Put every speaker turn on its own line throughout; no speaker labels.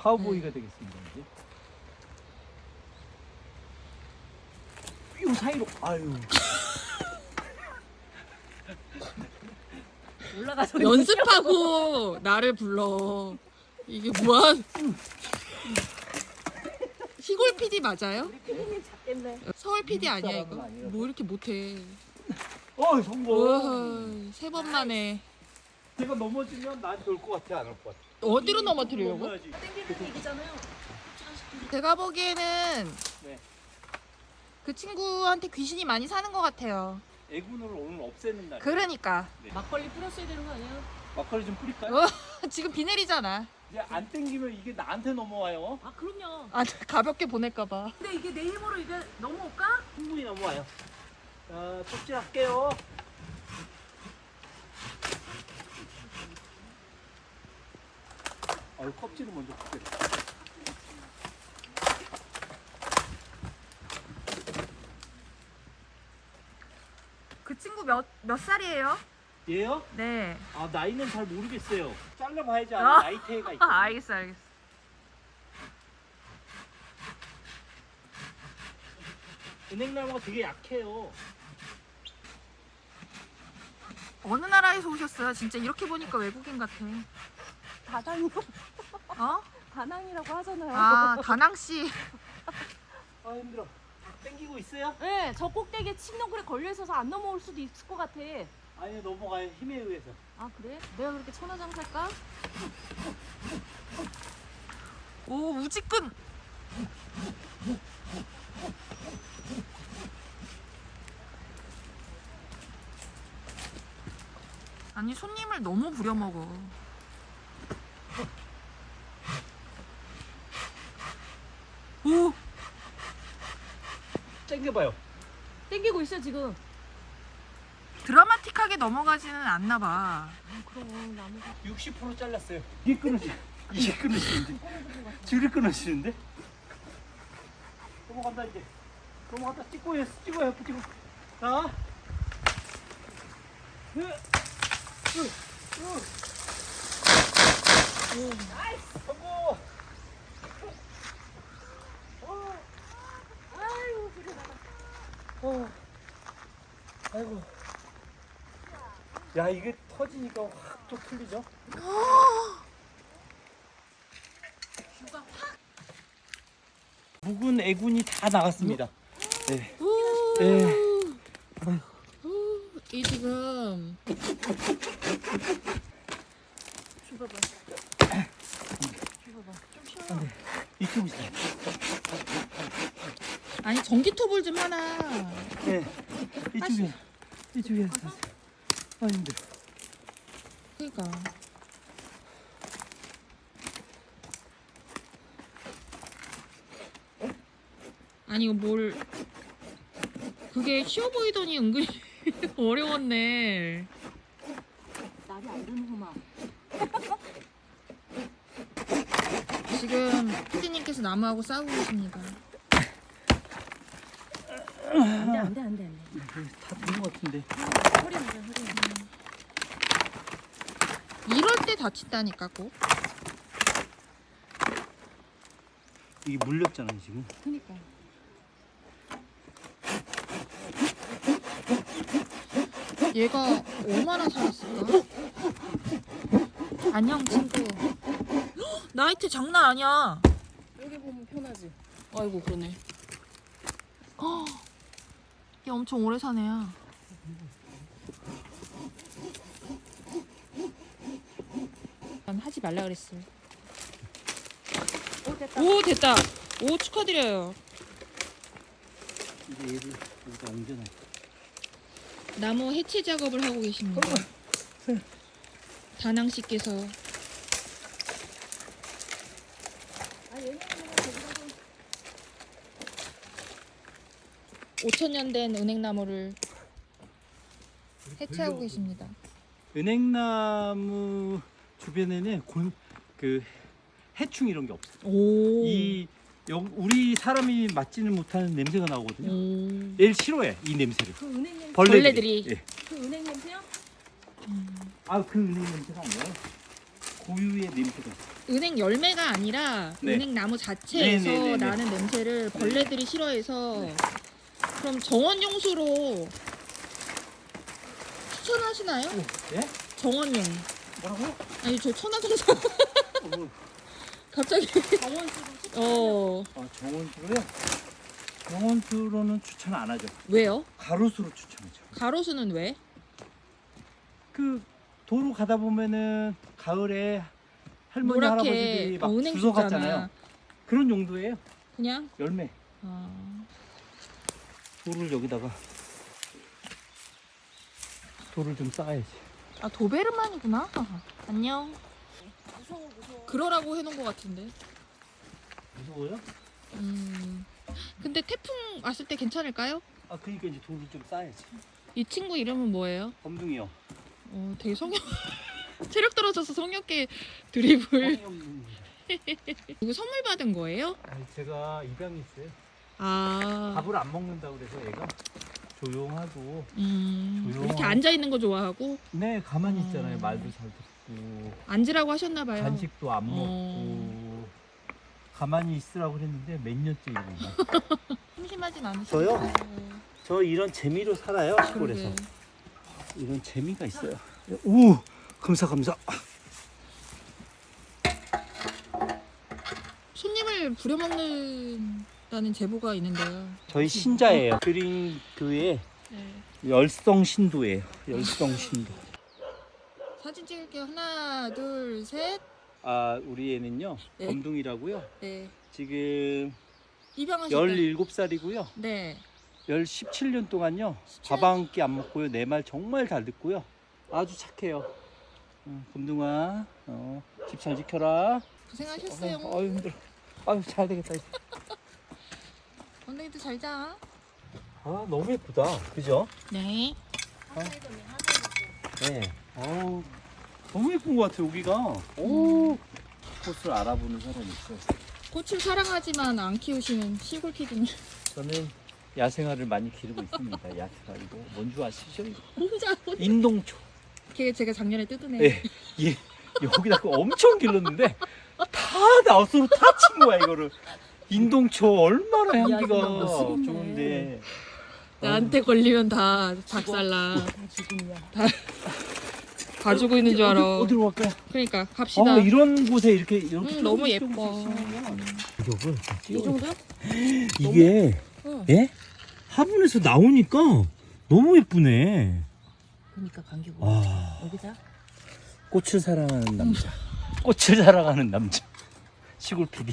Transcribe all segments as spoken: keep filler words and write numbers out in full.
카우보이가 되겠습니다. 이제. 요 사이로 아유.
올라가서
연습하고 나를 불러. 이게 뭐야? 시골 피디 맞아요?
피디님 잡겠네.
서울 피디 아니야
사람은
이거?
아니라서.
뭐 이렇게 못해?
어 성공.
우와, 세 번 만에.
제가 넘어지면 나한테 올 것 같아 안 올 것 같아?
어디로 넘어뜨리려고?
넘어야지.
땡기는 얘기잖아요.
제가 보기에는
네.
그 친구한테 귀신이 많이 사는 것 같아요.
애군을 오늘 없애는 날.
그러니까
막걸리 뿌렸어야 되는 거 아니에요?
막걸리 좀 뿌릴까요?
어, 지금 비 내리잖아.
이제 안 땡기면 이게 나한테 넘어와요.
아 그럼요.
아 가볍게 보낼까봐.
근데 이게 내 힘으로 이게 넘어올까?
충분히 넘어와요. 자, 톱질 할게요. 아유, 껍질을 먼저 굽게.
그 친구 몇 몇 살이에요?
얘요?
네.
아, 나이는 잘 모르겠어요. 잘라봐야지
아.
아는 나이테가 있거든요.
아, 알겠어, 알겠어.
은행나무가 되게 약해요.
어느 나라에서 오셨어요? 진짜 이렇게 보니까 외국인 같아.
다낭이요.
어?
다낭이라고 하잖아요.
아, 다낭 씨.
아, 힘들어. 땡기고 있어요?
네, 저 꼭대기에 침농굴에 걸려 있어서 안 넘어올 수도 있을 것 같아.
아니, 넘어가요. 힘에 의해서.
아 그래? 내가 그렇게 천하장사일까?
오, 우지끈. 아니, 손님을 너무 부려먹어. 오,
땡겨봐요.
땡기고 있어 지금.
드라마틱하게 넘어가지는 않나 봐.
아 그럼 나무가
육십 퍼센트 잘랐어요. 이게 끊어지. 이게 끊어지는데. 줄이 끊어지는데. 넘어간다 이제. 넘어간다. 찍고 해. 찍어요. 찍고. 자. 으. 으. 으. 나이스. 성공. 어.
아유 그래 나가.
어. 아이고. 야 이게 터지니까 확 또 틀리죠?
슈가 확.
묵은 애군이 다 나갔습니다. 네.
오,
네.
오, 이 지금
슈가 봐. 슈가 봐. 좀 쉬어요.
이쪽 있어요.
아니 전기톱을 좀 하나.
네. 이쪽에. 이쪽에. 아 힘들어.
그러니까. 아니 이거 뭘 그게 쉬워 보이더니 은근히 어려웠네.
날이 안 드는구만.
지금 피디님께서 나무하고 싸우고 계십니다.
안돼 안돼 안돼 안돼.
다 된 것 같은데.
허리 안돼 허리 안돼.
이럴 때 다친다니까 꼭.
이게 물렸잖아요 지금.
그니까.
얘가 얼마나 살았을까? 안녕 친구. 헉, 나이트 장난 아니야.
여기 보면 편하지.
아이고 그러네. 헉, 얘 엄청 오래 사네야. 난 하지 말라 그랬어.
오 됐다.
오 됐다. 오 축하드려요.
이제 얘를 여기다 옮겨놔.
나무 해체 작업을 하고 계십니다. 다낭 씨께서
아 얘는 그냥 저기다가
오천 년 된 은행나무를 해체하고 계십니다.
은행나무 주변에는 곤, 그 해충 이런 게 없어요.
오.
이 여, 우리 사람이 맡지는 못하는 냄새가 나오거든요.
오.
얘를 싫어해 이 냄새를.
그 은행 냄새.
벌레들이.
예.
그 은행 냄새요?
아그 은행 냄새가 아니에요. 고유의 냄새가 있어요.
은행 열매가 아니라
네.
은행 나무 자체에서
네네네네.
나는 냄새를 벌레들이 싫어해서
네.
그럼 정원용수로 추천하시나요?
예?
정원용.
뭐라고요?
아니 저 천하동산
어,
갑자기
정원수로
어
아, 정원수로요? 정원수로는 추천 안 하죠.
왜요?
가로수로 추천하죠.
가로수는 왜?
그 도로 가다 보면은 가을에 할머니
노랗게
할아버지들이 막
어, 은행
주워
줬잖아.
갔잖아요. 그런 용도예요.
그냥
열매.
아,
돌을 여기다가 돌을 좀 쌓아야지.
아 도베르만이구나. 안녕.
무서워 무서워.
그러라고 해놓은 것 같은데.
무서워요?
음. 근데 태풍 왔을 때 괜찮을까요?
아 그러니까 이제 돌을 좀 쌓아야지.
이 친구 이름은 뭐예요?
범둥이요.
어, 되게 성역 체력 떨어져서 성역계 드리블. 이거 선물 받은 거예요?
아니, 제가 입양이 있어요.
아,
밥을 안 먹는다고 그래서 얘가 조용하고
음,
조용하고.
이렇게 앉아 있는 거 좋아하고
네 가만히
어.
있잖아요. 말도 잘 듣고
앉으라고 하셨나 봐요.
간식도 안 먹고
어.
가만히 있으라고 그랬는데 몇 년째 이러고 있나.
심심하진 않으시죠?
저요? 저 이런 재미로 살아요 시골에서.
그러게.
이런 재미가 있어요. 오 감사 감사.
손님을 부려먹는다는 제보가 있는데요.
저희 신자예요. 그린 교회
네.
열성 신도예요. 열성 신도.
사진 찍을게요. 하나, 둘, 셋.
아 우리 애는요
네.
범둥이라고요.
네.
지금
입양하셨다.
열일곱 살이고요.
네.
십칠 년 동안요
십칠
밥 한 끼 안 먹고요. 내 말 정말 잘 듣고요. 아주 착해요. 응, 범둥아 어, 집 잘 지켜라.
고생하셨어요.
어, 아유 힘들어. 아유 잘 되겠다. 이제.
언니도 잘 자.
아 너무 예쁘다. 그죠?
네.
한살더니 한살더니.
네. 어우 너무 예쁜 것 같아 여기가. 오 꽃을 알아보는 사람이 있어요.
꽃을 사랑하지만 안 키우시는 시골 피디님.
저는 야생화를 많이 기르고 있습니다. 야생화 이거 뭔지 아시죠? 이거?
혼자 혼자.
인동초.
걔 제가 작년에 뜯은 애.
예, 예, 여기다가 엄청 길렀는데 다 나우스로 다 친 거야 이거를. 인동초 얼마나 향기가
이거 멋있네.
좋은데.
나한테 걸리면 다 작살나.
다 지금이야.
가지고 있는 줄 알아.
어디, 어디로 갈까요?
그러니까 갑시다.
아 이런 곳에 이렇게 이렇게
응, 너무
조금씩
예뻐.
조금씩 심으면 가격을
이 정도?
이게
응.
예? 화분에서 나오니까 너무 예쁘네.
그러니까 감기 고
아
여기다.
꽃을 사랑하는 남자. 꽃을 사랑하는 남자. 시골 피디.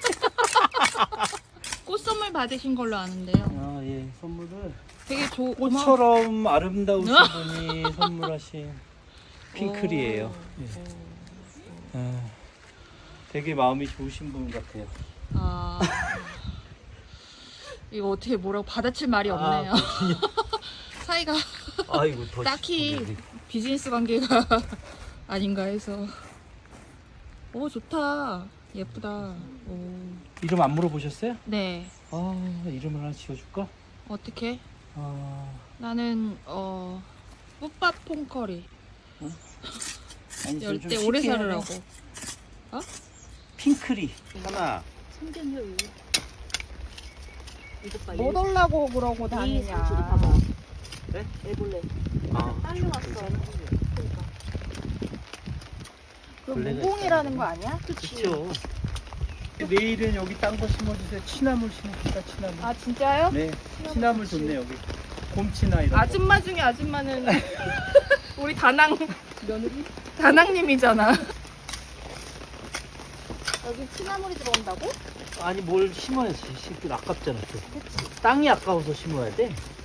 꽃 선물 받으신 걸로 아는데요.
아 예, 선물을
되게 조.
꽃처럼 아름다우신
어?
분이 선물하신 핑클이에요. 예. 아, 되게 마음이 좋으신 분 같아요.
아. 이거 어떻게 뭐라고 받아칠 말이
아,
없네요. 사이가
아이고 더
딱히
시끄러워.
비즈니스 관계가 아닌가 해서. 오 좋다. 예쁘다. 오.
이름 안 물어보셨어요?
네.
아 이름을 하나 지어줄까?
어떻게?
아
나는 어 뿌밥 퐁커리.
아니, 좀
열대
쉽게
오래
해요.
살으라고.
핑클이 하나.
성견이요 이거. 이거 봐.
뭐 달라고 그러고
이
다니냐.
상추도 봐봐.
네?
애벌레.
아,
딸려왔어. 그러니까.
그
벌레가
무공이라는
있다는
거 아니야?
그렇죠. 내일은 여기 딴 거 심어주세요. 취나물 심읍시다. 취나물.
아 진짜요?
네, 취나물 좋네 여기. 곰치나 이런 거.
아줌마 중에 아줌마는 우리 다낭
며느리?
다낭님이잖아.
여기 취나물이 들어온다고?
아니 뭘 심어야지. 심 아깝잖아 또. 땅이 아까워서 심어야 돼.